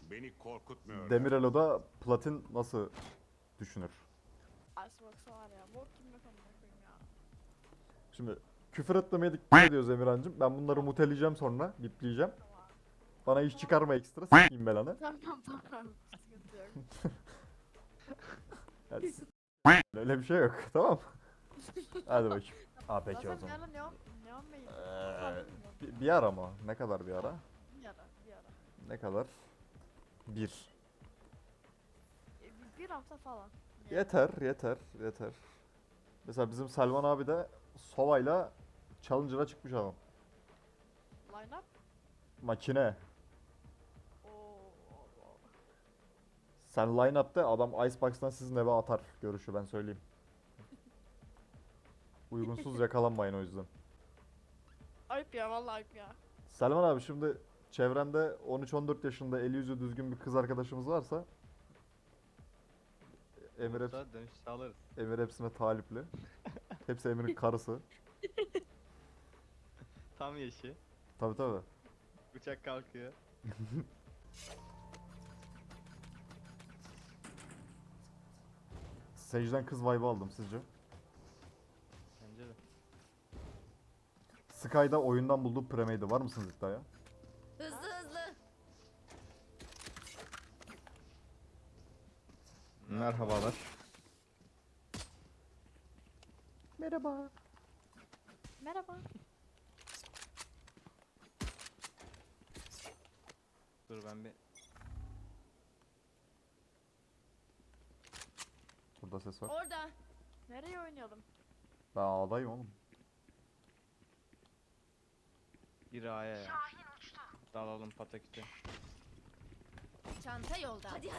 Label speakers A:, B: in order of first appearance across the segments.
A: Beni korkutmuyor.
B: Demirelo'da platin nasıl düşünür?
C: Icebox'a var ya. Bok gibi mekanına koyayım ya.
B: Şimdi küfür etmemeye dikkat ediyoruz Emirhan'cığım. Ben bunları muteleyeceğim sonra, bipleyeceğim.
C: Tamam.
B: Bana iş çıkarma ekstra, s**eyim belanı.
C: Tamam. Sıkıntı yok.
B: Yani, öyle bir şey yok, tamam mı? Hadi bakayım. Aa peki o
C: Zaten bir
B: zaman.
C: ara Neon Bey'in.
B: Bir ara mı? Ne kadar bir ara?
C: Bir ara.
B: Ne kadar? Bir.
C: Bir hafta falan. Yani.
B: Yeter. Mesela bizim Selman abi de Sova'yla Challenger'a çıkmış adam.
C: Line up.
B: Makine.
C: Oo.
B: Sen line-up'ta adam Icebox'tan sizin eve atar görüşü ben söyleyeyim. Uygunsuz yakalanmayın o yüzden.
C: Ayıp ya vallahi ayıp ya.
B: Selman abi şimdi çevrende 13-14 yaşında eli yüzü düzgün bir kız arkadaşımız varsa Emir,
D: Olursa dönüş sağlarız.
B: Emir hepsine talipli. Hepsi Emir'in karısı.
D: Tam yaşı.
B: Tabi.
D: Uçak kalkıyor.
B: Sage'den kız vibe'ı aldım sizce?
D: Bence de.
B: Sky'da oyundan bulduğu premade var mısınız iddiaya?
E: Hızlı.
D: Merhabalar.
B: Merhaba.
C: Merhaba.
D: Dur ben bir...
B: Burada ses var.
E: Orada.
C: Nereye oynayalım?
B: Ben A'dayım oğlum.
D: Bir A'ya ya. Dalalım pataküte.
E: Çanta yolda. Hadi.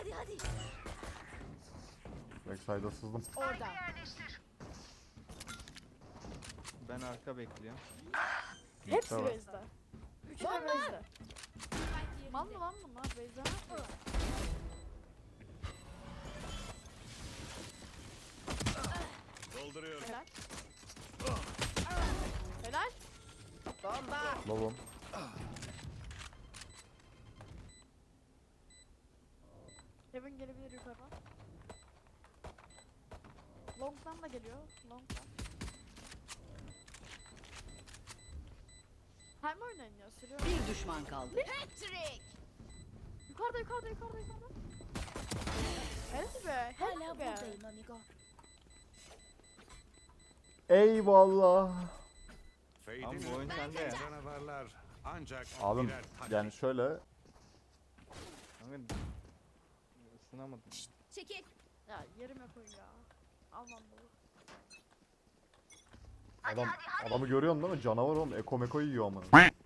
B: Backside'a sızdım.
E: Orada.
D: Ben arka bekliyorum.
C: Hepsi
B: Tamam.
C: base'de. Üçü de base'de. Mal mı lan bunlar? Base'de ne yapıyor?
A: Dolduruyorum.
C: Helal. Helal.
E: Bomba.
B: Lobum.
C: Kevin gelebilir yukarıdan. Long'dan da geliyor. Long'dan. Hem oynayın ya sürüyor.
E: Bir düşman kaldı. Patrick.
C: Yukarıda. Helal be. Helal be.
E: amigo.
B: Eyvallah.
D: Tamam, bu oyun sende ya.
A: Canavarlar ancak
B: Abim
A: birer taş.
B: yani şöyle
D: Kanka... Isınamadım.
E: Çekil.
C: Ya yerime koy ya. Almam bunu.
B: adamı görüyorsun değil mi? Canavar oğlum. Eko meko yiyor ama.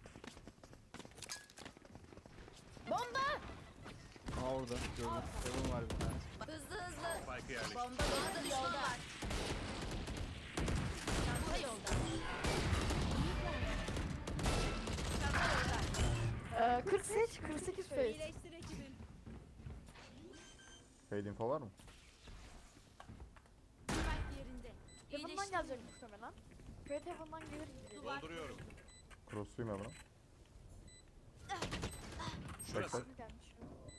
E: Bomba.
D: Aa orada. Gördüm. Evim var bir tane.
E: Hızlı.
A: Spike'ı yerleştir.
E: Bomba yolda. Çanta yolda. Çanta yolda.
C: 48 face.
E: İyileştir ekibim.
B: Fade info var mı?
E: Spike yerinde.
C: Heaven'dan gelecek muhtemelen. Fate Heaven'dan gelir gibi.
A: Dolduruyorum.
B: Cross'uyum ya buna.
A: Şurası.
B: Backside.
C: Gelmiş.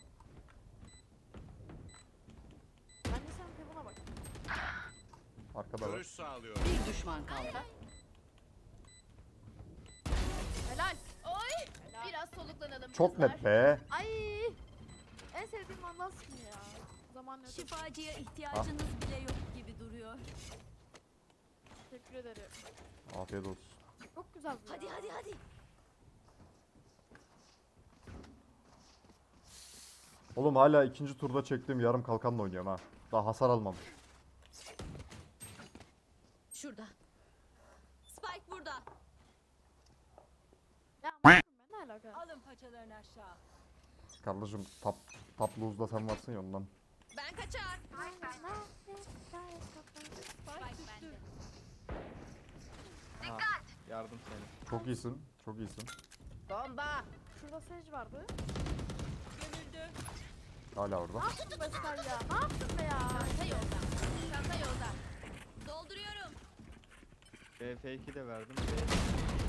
C: Bence sen Heaven'a bak.
B: Arkada var.
A: Görüş sağlıyorum.
E: Bir düşman kaldı.
C: Helal.
E: Oy.
C: Helal.
E: Biraz soluklanalım.
B: Çok
E: kızlar.
B: net be.
C: Ay. En sevdiğim Vandal skin ya. Zaman ötesi.
E: Şifacıya ihtiyacınız bile yok gibi duruyor.
C: Teşekkür ederim.
B: Afiyet olsun.
C: Çok güzel bu ya.
E: Hadi.
B: Oğlum hala ikinci turda çektiğim yarım kalkanla oynuyorum ha. Daha hasar almamış.
E: Şurada. Spike burada.
C: Ya ben ne alaka?
E: Alın paçalarını aşağı.
B: Kardeşim top lose'da sen varsın ya ondan.
E: Ben kaçar. Spike bende.
D: Ha, yardım seni.
B: Çok iyisin.
E: Bomba.
C: Şurada Sage vardı.
E: Gömüldü.
B: Hala orada.
C: Ne yaptın be sen ya? Ne yaptın be ya?
E: Çanta yolda. Dolduruyorum.
D: BF2 de verdim.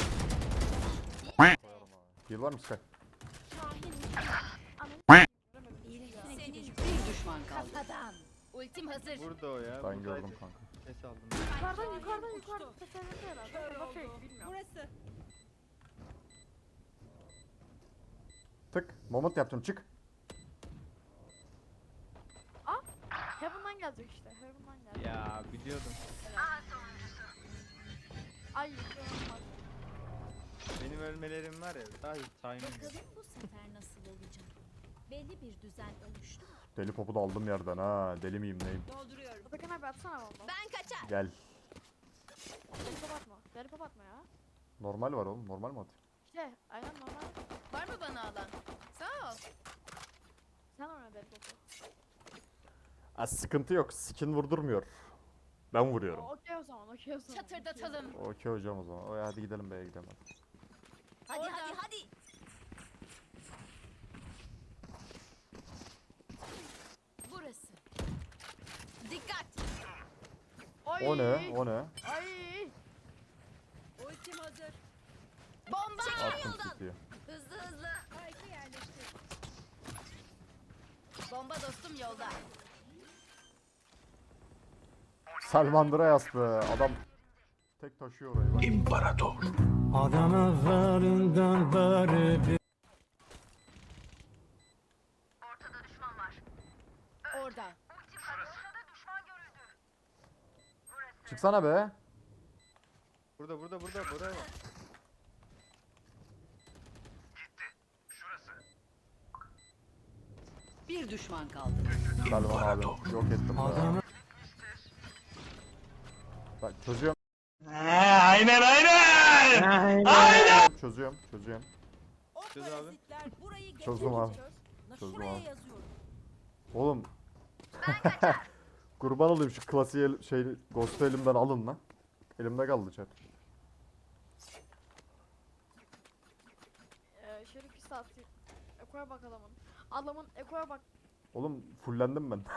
B: Heal var mı Sky?
C: Ananı göremedim.
E: Ultim hazır.
D: Burada o ya.
B: Ben
D: buradaydı.
B: gördüm kanka.
D: Ses aldım.
C: Yukarıdan tekerlekte herhalde. Bak fake bilmiyorum.
E: Burası.
B: Tık. Moment yapacağım çık.
C: Heaven'dan gelecek işte. Heaven'dan gelecek.
D: Ya biliyordum.
C: Ay inanılmaz.
D: Benim ölmelerim var ya. Sadece timing.
E: Bakalım bu sefer nasıl olacak. Belli bir düzen oluştu.
B: Deli popu da aldım yerden ha. Deli miyim neyim?
E: Dolduruyorum.
C: Atakan abi atsana bomba.
E: Ben kaçar.
B: Gel.
C: Deli pop atma. Deli pop atma ya.
B: Normal var oğlum. Normal mi atayım?
C: İşte aynen normal.
E: Var mı bana alan? Sağ ol.
C: Sen oyna deli popu.
B: Sıkıntı yok. Skin vurdurmuyor. Ben vuruyorum.
C: Okey o zaman. Okey o zaman.
E: Çatırdatalım.
B: Okey hocam o zaman. Oy, hadi gidelim B'ye gidelim. Hadi.
E: Hadi. Burası. Dikkat.
C: Oy.
B: O ne? O ne?
C: Ay.
E: Ultim hazır. Bomba.
B: Attım City'ye.
E: Hızlı. Spike'ı yerleştir. Bomba dostum yolda.
B: Salmandıra yas be. Adam tek taşıyor orayı. Bak.
F: İmparator.
E: Orada.
B: Çıksana be.
D: Burada buraya.
G: Bir düşman kaldı.
B: Salman abi. Yok ettim be. Bak çözüyorum. Aynen. Çözüyorum.
G: O
D: Çöz abi.
G: parazitler burayı
B: Çözdüm abi. Çözdüm
G: Şuraya
B: abi.
G: yazıyorum.
B: Oğlum. Kurban olayım şu klasiği Ghost'u elimden alın lan. Elimde kaldı chat.
C: Şöyle pis atayım. Eko'ya bak adamın. Adamın Eko'ya bak.
B: Oğlum fullendim ben.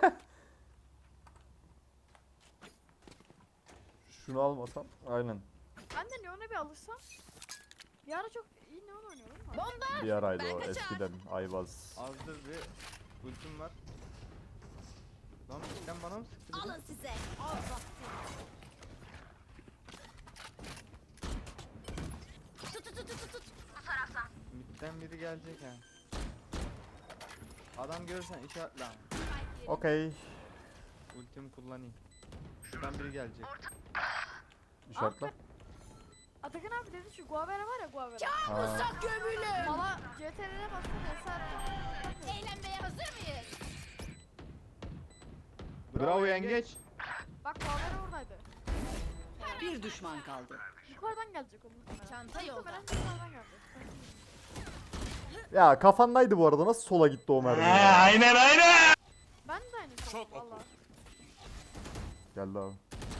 B: Şunu almasam aynen.
C: Ben de Neon'a bir alışsam. Bir ara çok iyi Neon oynuyordum da.
E: Bomba.
B: Bir araydı
E: Ben
B: o
E: kaçar.
B: eskiden Ayvaz.
D: Azdır bir ultim var. Lan sen bana mı sıktın?
E: Alın size. Tut.
D: Midden biri gelecek ha. Adam görürsen işaretle ama.
B: Okey.
D: Ultimi kullanayım. Şuradan biri gelecek.
B: İşaretle.
C: Atakan abi dedi şu Guavera var ya Guavera.
B: Ha.
E: Uzak gömülü.
C: Bana CTRL'e bastım eser.
E: Eğlenmeye hazır mıyız?
D: Bravo yengeç.
C: Bak Guavera oradaydı.
G: Bir düşman kaldı.
C: Yukarıdan gelecek o muhtemelen.
E: Çanta yolda.
C: Muhtemelen yukarıdan gelecek.
B: Ya kafandaydı bu arada, nasıl sola gitti o mermi ya?
C: Ben de aynı şey.
A: Çok
C: Valla.
B: Geldi abi.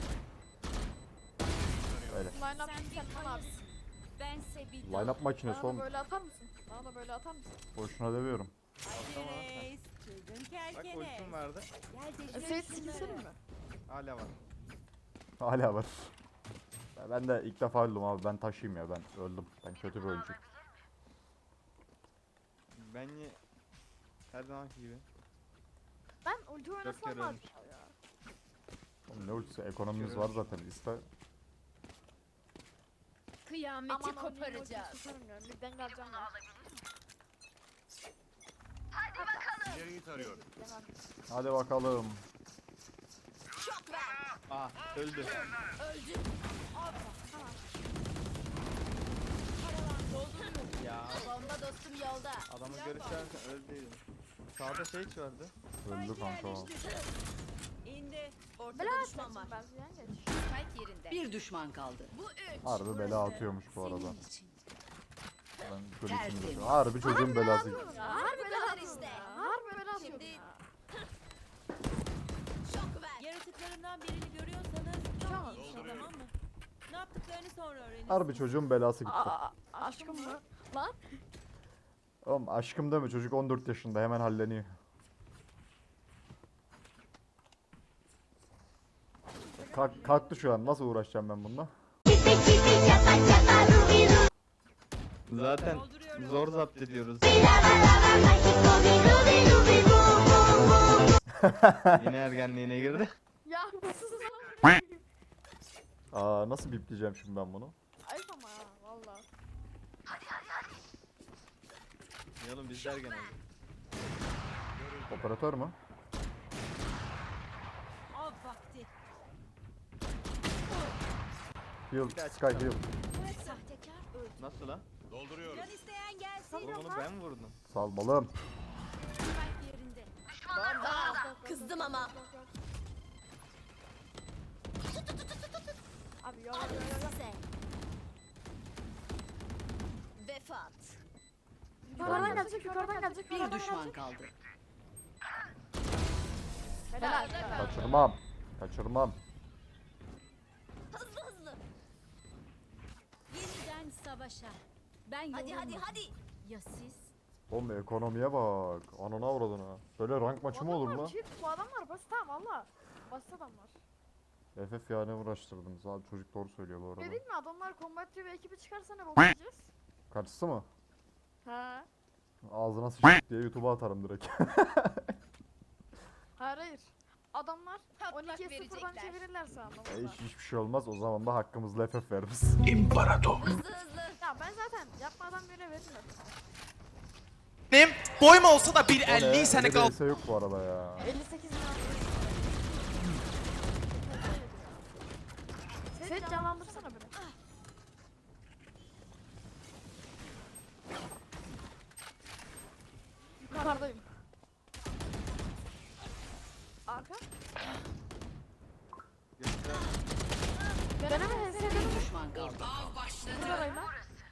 B: Öyle.
C: Line up Selman abi.
E: Bense bir
B: Line up makinesi
C: Bana da
B: oğlum.
C: böyle atar mısın? Bana da böyle atar mısın?
B: Boşuna demiyorum.
G: Reis, çılgın
D: Bak
G: kerkene.
D: ultim vardı.
C: Seyit skills'in mi?
D: Hala var.
B: Hala var. Ben de ilk defa öldüm abi, ben taşıyayım ya, ben öldüm. Ben kötü bir oyuncuyum.
D: Ben her zamanki gibi.
C: Ben ulti oynasam
D: kere
C: var
D: ölmüş.
C: ya.
B: Oğlum ne ultisi, ekonomimiz var zaten, iste.
E: Kıyameti
C: Aman o
E: koparacağız.
C: Tutarım ya. Midden geleceğim ya.
A: İleriyi tarıyorum.
C: Demem.
B: Hadi bakalım.
E: Şok ver.
D: Aa öldü.
E: Öldü.
D: Ya
E: Bomba dostum yolda.
D: adamı görürsen öldü. Sağda şey vardı.
B: Öldü kanka o.
G: İndi.
E: Ortada
C: Bela
E: düşman var.
C: atacaksın ben ziyan geç.
E: Spike yerinde.
G: Bir düşman kaldı.
E: Bu üç.
B: Harbi bela atıyormuş bu arada.
E: Senin için.
B: Ben şöyle
G: Tertemiz.
B: içimde şu- Harbi çocuğun belası.
C: Ya harbi
E: kadar
C: bela atıyorum
E: işte.
C: ya. Harbi bela atıyorum
E: Şimdi-
C: ya.
E: Şok ver.
G: Yaratıklarından birini görüyorsanız çok iyi, tamam mı? Ne yaptıklarını sonra öğrenin.
B: Harbi çocuğun belası gitti.
C: Aşkım mı? Lan.
B: Oğlum aşkım deme, çocuk 14 yaşında, hemen halleniyor. Kalktı şu an, nasıl uğraşacağım ben bununla?
D: Zaten
G: Dolduruyorum.
D: zor zapt ediyoruz. Yine ergenliğine girdi.
C: Ya sus.
B: Aa nasıl bipleyeceğim şimdi ben bunu?
C: Ayıp ama ya valla.
D: Ya oğlum biz de ergen olduk.
B: Operatör mü?
G: Av vakti.
B: Heal,
D: Bir daha
B: Sky
D: çıkalım.
B: heal.
E: Sahtekar öldü.
D: Nasıl lan?
A: Dolduruyorum.
G: Can isteyen gelsin.
D: Oğlum onu ben mi vurdum?
B: Salmalım.
E: Spike yerinde.
G: Kızdım ama.
C: Abi yok yok yok.
E: Size. Vefat.
C: Yukarıdan gelecek yukarıdan gelecek.
F: Bir düşman kaldı.
C: Helal.
B: Kaçırmam. Kaçırmam.
E: Hızlı hızlı. Yeniden savaşa. Ben hadi. Ya siz?
B: Oğlum ekonomiye bak. Anana avradına. Böyle rank maçı mı olur mu?
C: Bu adamlar basit tamam valla. Basit adamlar.
B: FF ya ne uğraştırdınız abi, çocuk doğru söylüyor bu arada.
C: Dedik mi adamlar Combat TV ekibi çıkarsa ne bakacağız?
B: Karşısı mı?
C: Ha.
B: Ağzına sıçtık diye YouTube'a atarım direkt.
C: Hayır. Adamlar
G: Patlak
C: 12'ye 0'dan
G: verecekler.
C: çevirirlerse anlamında.
B: Hiçbir şey olmaz, o zaman da hakkımızla FF veririz.
E: Hızlı hızlı.
C: Ya ben zaten yapmadan bile veririm.
H: Benim boyum olsa da
B: O ne?
H: 1.50 sene
B: Öyle
H: kal.
B: bir yok bu arada ya.
C: 58 lira. Sen canlandırsana beni. Yukarıdayım. Arka. Deneme
F: Bir
C: HS'de
F: düşman kaldı.
C: numarayla.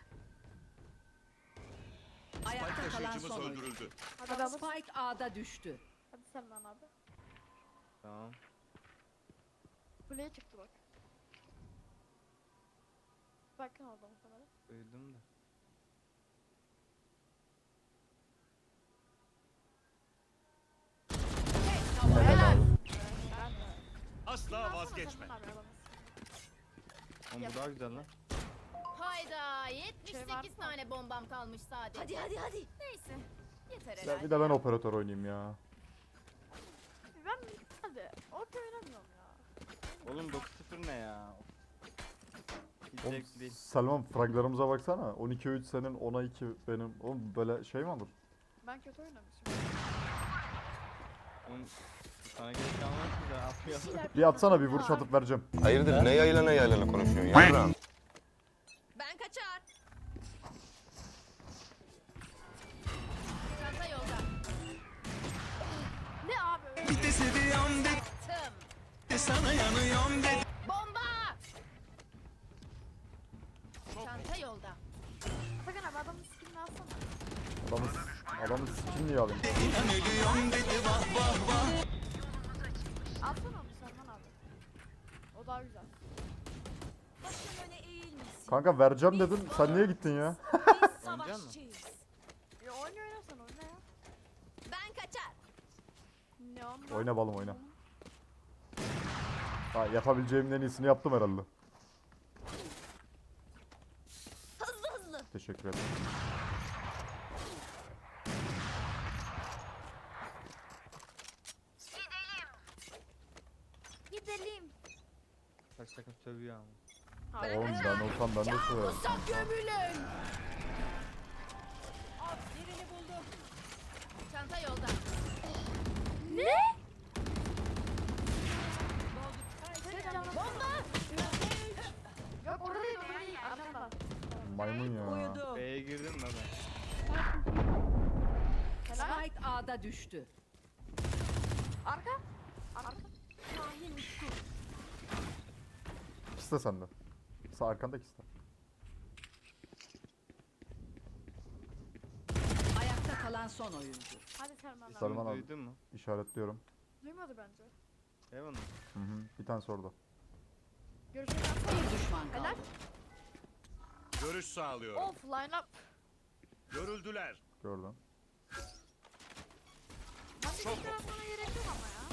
F: Ayakta kalan
A: Taşıyıcımız
F: son oyuncu.
A: öldürüldü.
C: Hadi alır.
F: Spike A'da düştü.
C: Hadi Selman abi.
D: Tamam.
C: Kuleye çıktı bak. Bakın orada muhtemelen.
D: Duydum da.
C: Helal.
A: Asla vazgeçme.
C: Selman abi alamaz.
D: Oğlum bu daha güzel lan.
G: Hayda
C: Şey
G: 78
C: var mı?
G: tane bombam kalmış sadece.
E: Hadi.
G: Neyse. Yeter
B: Ya
G: herhalde.
B: bir de ben operatör oynayayım ya.
C: Ben hadi orta oynamıyorum ya.
D: Oğlum 9-0 ne ya? Hiç
B: Oğlum,
D: zevkli değil.
B: Selman fraglarımıza baksana. 12'ye 3 senin, 10'a 2 benim. Oğlum böyle şey mi olur?
C: Ben kötü oynamışım.
D: Oğlum sana gerek kalmaz ki de atmayalım.
B: Bir atsana, bir vuruş atıp vereceğim.
A: Hayırdır ne yaylana konuşuyorsun ya?
G: Ben kaçar. Çanta yolda.
C: Ne abi?
G: Tım. Bomba. Çanta yolda.
C: Sakın abi adamın skinini alsana.
B: Adamın skin niye alayım?
C: Alsana onu Selman abi. O daha güzel.
E: Başın öne eğilmesin.
B: Kanka vereceğim dedin, sen niye gittin ya?
E: Biz
D: Oynayacak mısın?
E: savaşçıyız.
C: Ya oyna oynarsan oyna ya.
G: Ben kaçar.
C: Ne ondan?
B: Oyna balım oyna. Ha, yapabileceğimin en iyisini yaptım herhalde.
E: Hızlı.
B: Teşekkür ederim.
E: Gidelim.
D: Kaç takım sövüyor ama.
C: Hayır.
B: Oğlum ben olsam ben de söylerim.
G: Gömülün. Birini buldum. Çanta yolda.
C: Sen canlan.
G: Bomba.
C: Yok orada değil orada değil. Arkamda.
B: Maymun ya.
F: Uyudu.
D: B'ye girdim mi ben?
C: Helal.
F: Spike A'da düştü.
C: Arka. Arka.
B: İkisi de sende. Sağ arkanda ikisi de.
F: Ayakta kalan son oyuncu.
C: Hadi Selman abi.
B: Selman abi.
D: Duydun mu?
B: İşaretliyorum.
C: Duymadı bence.
D: Eyvallah.
B: Hı hı. Bir tanesi orada.
C: Görüşürüz.
F: Bir düşman kaldı.
C: Helal.
A: Görüş sağlıyorum.
C: Of line up.
A: Görüldüler.
B: Gördüm.
C: Hadi bir tarafına gerek yok ama ya.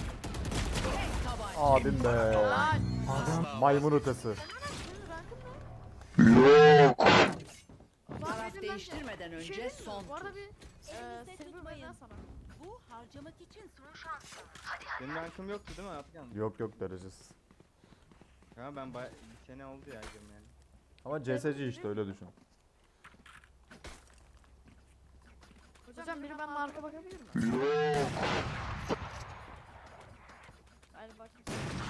B: Abim be.
C: Helal.
B: Maymun ötesi.
C: Senin rankın ne? Yok.
F: Taraf değiştirmeden önce son
C: Bu arada
F: tur.
C: bir
E: Elinizde
C: silver
E: tutmayın.
C: benden sana.
E: Bu Harcamak için son
D: Benim rankım yoktu değil mi Atakan?
B: Yok yok derecesiz.
D: Ya ben bir sene oldu ya girmeyeli. Yani.
B: Ama CSC işte öyle düşün.
C: Hocam biri benden arka bakabilir mi? Hadi bak.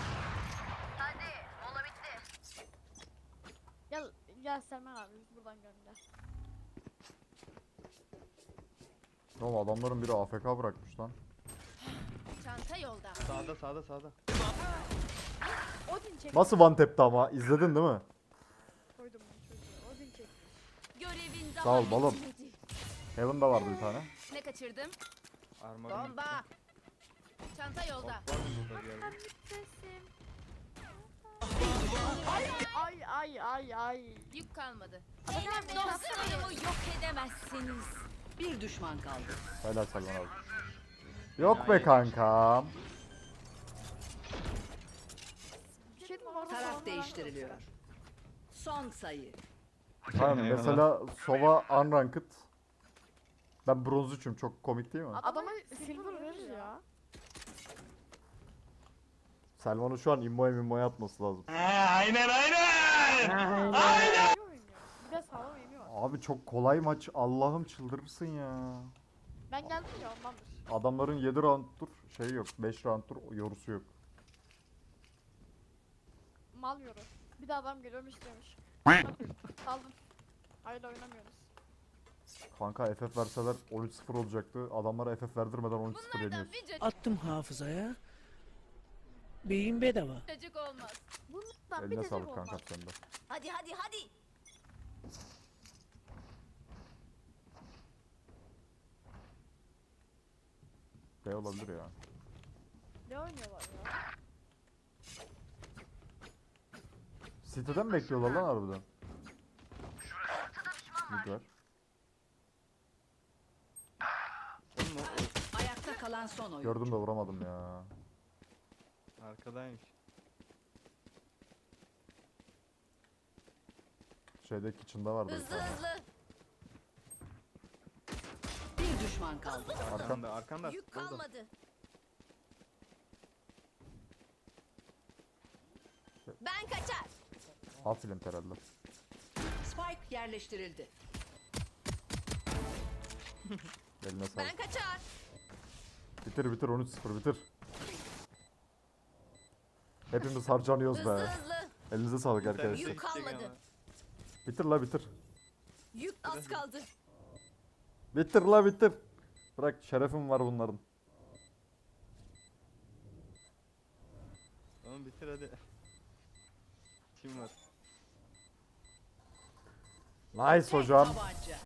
C: Gel gel Selman abi biz buradan gel.
B: Oğlum adamların biri AFK bırakmış lan.
G: Çanta yolda.
D: Sağda.
C: Odin çek.
B: Nasıl one tap'ti ama izledin değil mi?
C: Koydum bunu çocuğa. Odin çek.
G: Görevin daha
B: Sağ ol balım.
G: bitmedi.
B: Heaven'da vardı bir tane.
G: Ne kaçırdım?
D: Armorum.
G: Bomba. Çanta yolda.
D: Var mı burada bir yerde?
C: Sesim. Ay.
G: Yük kalmadı.
C: Hocam
G: Dostlarımı yok edemezsiniz.
F: Bir düşman kaldı.
B: Helal Selman abi. Yok be kankam.
F: Taraf değiştiriliyor. Son sayı.
B: Aynen mesela Sova unranked. Ben bronz 3'üm, çok komik değil mi?
C: Adama silver verir ya.
B: Selman'ın şu an immoya atması lazım.
C: İyi oynuyor. Bir de sağlam eğimi var.
B: Abi çok kolay maç, Allah'ım çıldırırsın ya.
C: Ben geldim ya ondandır.
B: Adamların 7 round'dur şey yok, 5 round'dur yorusu yok.
C: Mal yoru. Bir de adam geliyormuş demiş. Saldım. Hayır oynamıyoruz.
B: Kanka FF verseler 13-0 olacaktı. Adamlara FF verdirmeden 13-0
G: Bunlardan
B: yeniyoruz.
G: bir
I: Attım hafızaya. Beyin bedava.
G: cacık olmaz.
C: Bundan bir
B: Eline
C: de
B: sağlık
C: olmaz.
B: kankam sende.
G: Hadi.
B: B olabilir ya.
C: Ne oynuyorlar ya?
B: City'den mi bekliyorlar lan harbiden? Mid var.
D: Oğlum o
F: Ayakta kalan son oyun.
B: Gördüm de vuramadım ya.
D: arkadaymış.
B: Şeyde kitchen'da vardı bir
G: Hızlı
B: tane.
G: hızlı.
F: Bir düşman kaldı.
B: Arkam.
D: Arkanda.
G: Yük
D: Burada.
G: kalmadı. Ben kaçar.
B: Alt film herhalde.
F: Spike yerleştirildi.
B: Eline sağlık.
G: Ben kaçar.
B: Bitir 13-0 bitir. Hepimiz harcanıyoruz
G: Hızlı
B: be.
G: hızlı.
B: Elinize sağlık
D: Bir tane
B: arkadaşlar.
G: Yük
D: çekecek
G: kalmadı.
D: ama.
B: Bitir la bitir.
G: Yük az kaldı.
B: Bitir la bitir. Bırak şerefim var bunların.
D: Oğlum bitir hadi. Kim var?
B: Nice hocam.
F: Tabanca.